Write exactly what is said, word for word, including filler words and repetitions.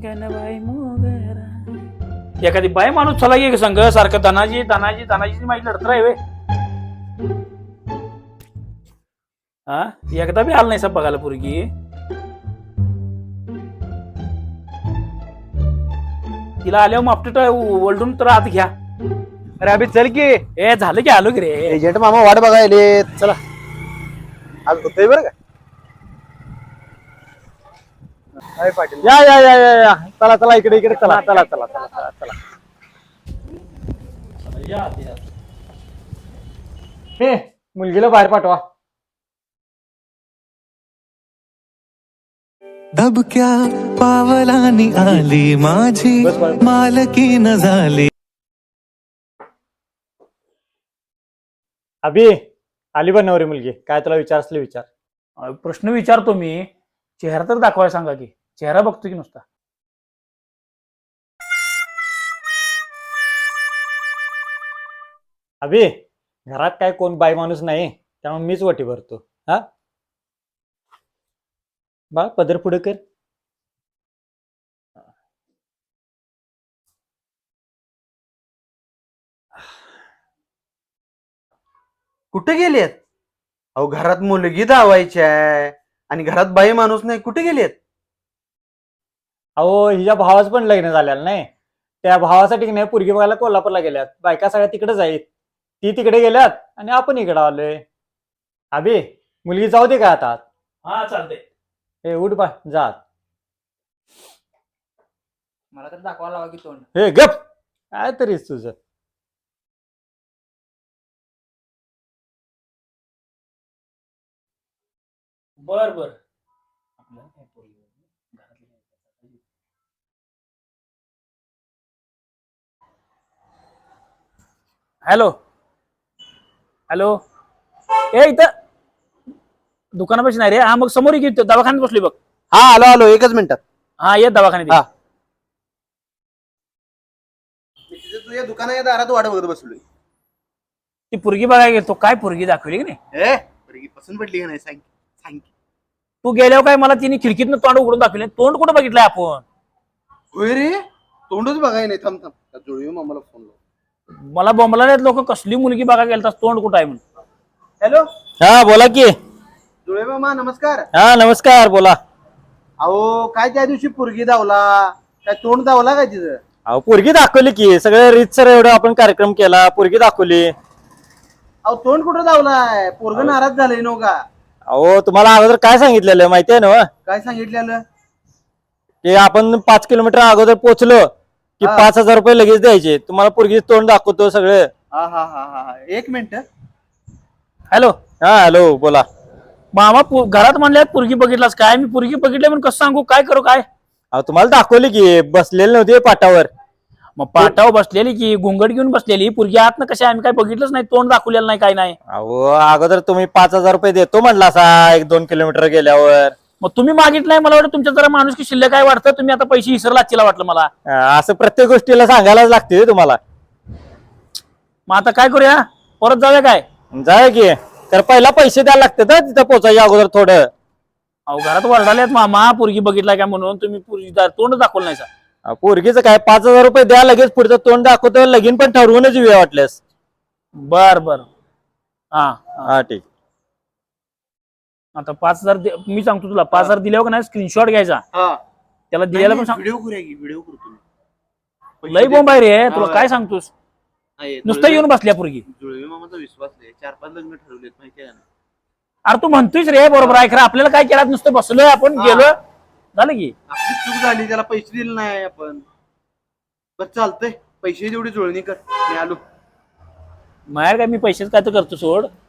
अंगणबाई मोगरा. एखादी बाई माणूस चला की संघ सारखं धनाजी धनाजी धनाजी माझी लढत आहे वे. हा एकदा बी आलं नाही सब बघायला पोरगी. तिला आल्यावर मापट ओलडून तर आत घ्या. अरे अभि चल की. ए झालं की आलो की रे. एजंट मामा वाट बघायले. चला आज होतोय बरं का. अरे पाटील या या या या या चला चला इकडे इकडे चला चला चला चला चला चला. हे मुलगीला बाहेर पाठवा. दबक्या पावलानी आली माझी मालकीन झाली. अभि आली पण नवरी मुलगी. काय तुला विचार असले विचार. अ, प्रश्न विचारतो मी. चेहरा तर दाखवाय सांगा की. चेहरा बघतो की नुसता. अभि घरात काय कोण बाई माणूस नाही त्यामुळे मीच वटी भरतो. हा बा पदर पुढे कर. कुठे गेलेत? अहो घरात मुलगी धावायची आहे आणि घरात बाई माणूस नाही. कुठे गेलेत? अहो हिच्या भावाच पण लग्न झालेलं नाही. त्या भावासाठी नाही पोरगी बघायला कोल्हापूरला गेल्यात. बायका सगळ्या तिकडेच आहेत. ती तिकडे गेल्यात आणि आपण इकडे आलोय. अभि मुलगी जाऊ दे का आता. हा चालतंय. हे उठ बा जा. मला तर दाखवा लावा की तोंड. हे गप काय तरीच तुझं. बर बर. Hello hello. ए इथं दुकानापाशी नाही रे. हा मग समोर घेतो दवाखान्यात बसलोय बघ. हा आलो आलो एकच मिनिटात. हा ये दवाखान्यात. हा. तुझ्या दुकानाच्या दारात वाट बघत बसलोय. ती पोरगी बघायला गेलो. काय पोरगी दाखवली की नाही. ए पोरगी पसंत पडली का नाही सांग सांग. तू गेल्यावर काय मला तिने खिडकीतनं तोंड उघडून दाखवले. तोंड कुठं बघितलंय आपण. होय रे तोंडच बघाय नाही. थांब थांब जुळवी मामाला फोन लाव. मला बोंबला लोक कसली मुलगी बघायला गेलता तोंड कुठं आहे म्हणून. हॅलो हा बोला की. जुळवे मामा नमस्कार. हा नमस्कार बोला. अहो काय त्या दिवशी पोरगी धावला काय तोंड धावला काय तिचं? अहो पोरगी दाखवली की. सगळे रीतसर एवढं आपण कार्यक्रम केला. पोरगी दाखवली. अहो तोंड कुठं धावलाय? पोरग नाराज झालंय नो का? अहो तुम्हाला अगोदर काय सांगितलेलं माहिती आहे ना. काय सांगितलेलं? की आपण पाच किलोमीटर अगोदर पोहोचलो की हा. पाच हजार रुपये लगेच द्यायचे. तुम्हाला पोरगी तोंड दाखवतो सगळं. हा हा हा हा हा एक मिनिट. हॅलो हा हॅलो बोला. मामा पो- घरात म्हणल्यात पोरगी बघितलास काय. मी पोरगी बघितली म्हणून कसं सांगू. काय करू काय. अहो तुम्हाला दाखवली की बसलेले नव्हते पाटावर. मग पाटावर बसलेली की घुंगड घेऊन बसलेली पोरगी आत ना कशा. आम्ही काय बघितलंच नाही. तोंड दाखवलेलं नाही काय नाही. अहो अगोदर तुम्ही पाच हजार रुपये देतो म्हणला असा एक दोन किलोमीटर गेल्यावर. मग तुम्ही मागितलंय. मला वाटतं तुमच्या जरा माणूस की शिल्लक काय वाटतं. तुम्ही आता पैसे विसरला चिला वाटलं मला. अं, असं प्रत्येक गोष्टीला सांगायलाच लागते हो तुम्हाला. मग आता काय करूया. परत जाऊया काय. जाय की. तर पहिला पैसे द्यायला लागतात हं, तिथं पोचायच्या अगोदर थोडं. अहो घरात वरडाल्यात मामा पोरगी बघितलाय काय म्हणून. तुम्ही पोरगी तोंड दाखवलं नाही. अं, पोरगीचं काय पाच हजार रुपये द्या लगेच पुढचं तोंड दाखवतो. लगीन पण ठरवूनच येऊया वाटल्यास. बर बर. हा हा ठीक. आता पाच हजार दे- मी सांगतो तुला. पाच हजार दिल्यावर का नाही स्क्रीनशॉट घ्यायचा. हा त्याला दिलेला पण सांग. व्हिडिओ करूया की व्हिडिओ करू तुम्ही. लई बोंब आहे रे. तुला हा. काय सांगतोस. नाही, नुसतं जुळवे- येऊन बसल्या पोरगी. जुळवे मामाचा विश्वास नाही. चार पाच लग्न ठरवलेत माहिती आहे ना. अरे तू म्हणतोयस रे बरोबर आहे. खरं आपल्याला काय केलं नुसतं बसलोय आपण हा. गेलो झालं की. आपली चूक झाली त्याला पैसे दिले नाही आपण. बस चालतंय पैसे जेवढी जुळणी कर. मी आलो. माहेर काय मी पैसेच काय तर करतो सोड.